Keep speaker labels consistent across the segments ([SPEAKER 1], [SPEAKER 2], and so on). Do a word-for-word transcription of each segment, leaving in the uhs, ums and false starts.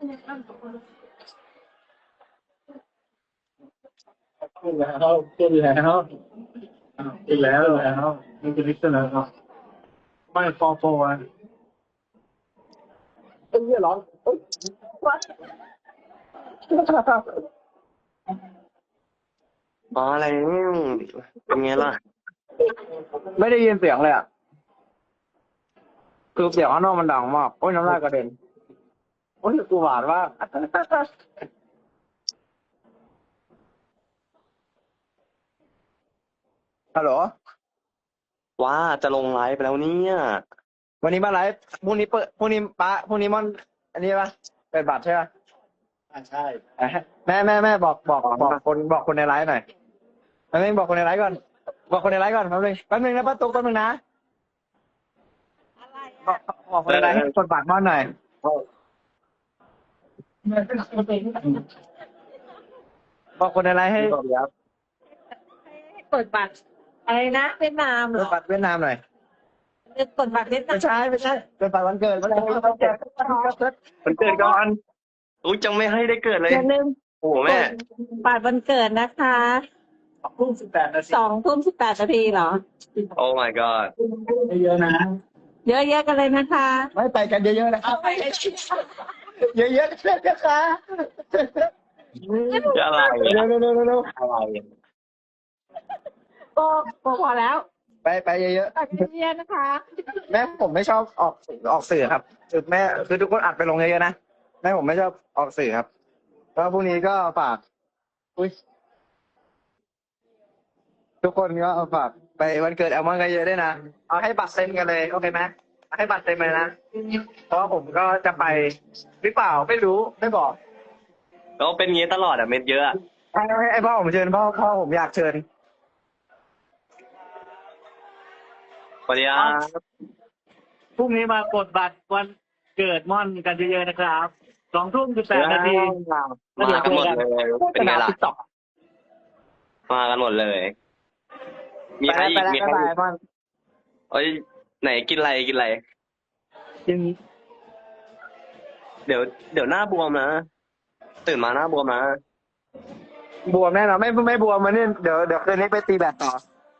[SPEAKER 1] ขึ้นแล้วขึ้นแล้วขึ้นแล้วแล้วมันจะนิดขึ้นแล้วไม่ฟอร์โฟร์เอ้ยร้อนเอ้ย
[SPEAKER 2] อ๋ออะไรนี่เป็นไงล่ะ
[SPEAKER 1] ไม่ได้ยินเสียงเลยอ่ะคือเสียงข้างนอกมันดังมากโอ้ยน้ำลายกระเด็นโอ้ยกูหวานมากฮัลโหล
[SPEAKER 2] ว่าจะลงไลฟ์ไปแล้วเนี่ย
[SPEAKER 1] วันนี้มาไลฟ์พรุ่งนี้เปิดพรุ่งนี้ป้าพรุ่งนี้มอนอันนี้ปะเปิดบัตรใช่ปะอ่าใช่แม่แม่แม่บอกบอกบอกคนบอกคนในไลฟ์หน่อยแม่เองบอกคนในไลฟ์ก่อนบอกคนในไลฟ์ก่อนแป๊บนึงแป๊บนึงนะป้าตุ๊กแป๊บนึงนะบอกบอกคนในไลฟ์ให้กดบัตรมอนหน่อยบอกคนในไลฟ์ให้
[SPEAKER 3] ให้กดบัตรอะไรนะเวียดนามเห
[SPEAKER 1] ก
[SPEAKER 3] รอ
[SPEAKER 1] ดบัตรเวียดนามหน่อย
[SPEAKER 3] กดบัตรเวียดนา
[SPEAKER 1] ไม่
[SPEAKER 3] ม
[SPEAKER 1] ใช่ไม่ใช่กดบัตรวันเกิดวันเกิดวันเกิดวันเกิด
[SPEAKER 2] มันเกิดก่อนอุ้ยจังไม่ให้ได้เกิดเลย
[SPEAKER 3] อย่าลืม
[SPEAKER 2] โอ้โหแม่
[SPEAKER 3] บัตรวันเกิดนะคะ
[SPEAKER 1] สองทุ่มสิบแปดนาที
[SPEAKER 3] สองทุ่มสิบแปดนาทีเหรอ
[SPEAKER 2] โอ้ my god
[SPEAKER 1] เยอะๆนะ
[SPEAKER 3] เยอะๆกันเลยนะคะ
[SPEAKER 1] ไม่ไปกันเยอะๆนะครับเยอะๆกันนะคะ
[SPEAKER 2] จะอะไร
[SPEAKER 1] เร็
[SPEAKER 2] อะ
[SPEAKER 1] วๆเร็วๆเร็ว
[SPEAKER 2] อะไรอะ
[SPEAKER 3] ก็ก็พอแล้ว
[SPEAKER 1] ๆไปไปเยอะ
[SPEAKER 3] บัตรเยอะๆนะคะ
[SPEAKER 1] ๆแม่ผมไม่ชอบออกออกสื่อครับคือแม่คือทุกคนอัดไปลงเยอะๆนะแม่ผมไม่ชอบออกสื่อครับก็พรุ่งนี้ก็ฝากอุ้ยทุกคนก็เอาฝากไปวันเกิดแอลมอนกันเยอะด้วยนะเอาให้บัตรเต็มกันเลยโอเคไหมเอาให้บัตรเต็มเลยนะเพราะว่าผมก็จะไปหรือเปล่าไม่รู้ไม่บอก
[SPEAKER 2] แล้วเป็นงี้ตลอดอะเม็ดเยอะอะ
[SPEAKER 1] ไอ้ไอ้พ่อผมเชิญพ่อพ่อผมอยากเชิญ
[SPEAKER 2] สวัสดีครับ
[SPEAKER 4] พรุ่งนี้มากดบัตรวันเกิดม่อนกันเยอะๆนะครับสองทุ่มสิบแปดนาที
[SPEAKER 2] มากันหมดเลย เป็นไงล่ะ
[SPEAKER 1] ติ๊กต็อก
[SPEAKER 2] มากันหมดเลย มี
[SPEAKER 1] ไป
[SPEAKER 2] ใคร
[SPEAKER 1] แล้ว
[SPEAKER 2] อี
[SPEAKER 1] ไป
[SPEAKER 2] ก
[SPEAKER 1] แล้ว
[SPEAKER 2] มี
[SPEAKER 1] บ๊าย
[SPEAKER 2] ใคร
[SPEAKER 1] บา
[SPEAKER 2] อี
[SPEAKER 1] ย
[SPEAKER 2] ก
[SPEAKER 1] พ่อ
[SPEAKER 2] เอ้ยไหนกินอะไรกินอะไร
[SPEAKER 1] กิน
[SPEAKER 2] เดี๋ยวเดี๋ยวหน้าบวมนะ ตื่นมาหน้าบวมนะ
[SPEAKER 1] บวมแน่นอนไม่ไม่บวมมันนี่เดี๋ยวเดี๋ยวคืนนี้ไปตีแบดต่อ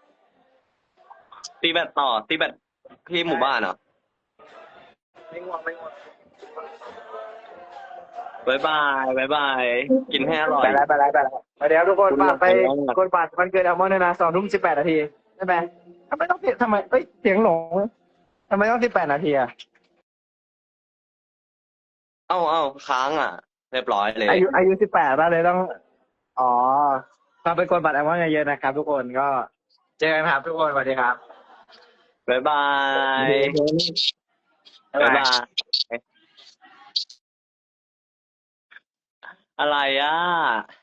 [SPEAKER 2] ตีแบตต่อ ตีแบตที่หมู่บ้านเหรอ
[SPEAKER 1] ไม่ง่วงไม่ง่วง
[SPEAKER 2] บายบายบายบาย กินให้อร่อย
[SPEAKER 1] ไปแล้วไปแล้วไปแล้วไปเดี๋ยวทุกคน
[SPEAKER 2] คุณ
[SPEAKER 1] ฝากไป
[SPEAKER 2] ขอบคุณมาก
[SPEAKER 1] กดบัตรวันเกิดแอลมอนด้วยนะสองทุ่มสิบแปดนาทีใช่ไหมทำไมต้องเสียทำไมเอ้ยเสียงหลงทำไมต้องสิบแปดนาทีอะ
[SPEAKER 2] เอ้าเอ้าค้างอ่ะ เรียบร้อยเลย
[SPEAKER 1] อายุอายุสิบแปดแล้วเลยต้องอ๋อฝากไปกดบัตรแอลมอนเยอะๆนะครับ ทุกคนก็เจอกันครับทุกคนสวัสดีครับ
[SPEAKER 2] บายบาย
[SPEAKER 1] บ๊าย
[SPEAKER 2] บาย
[SPEAKER 1] บาย
[SPEAKER 2] บาย อะไรอ่ะ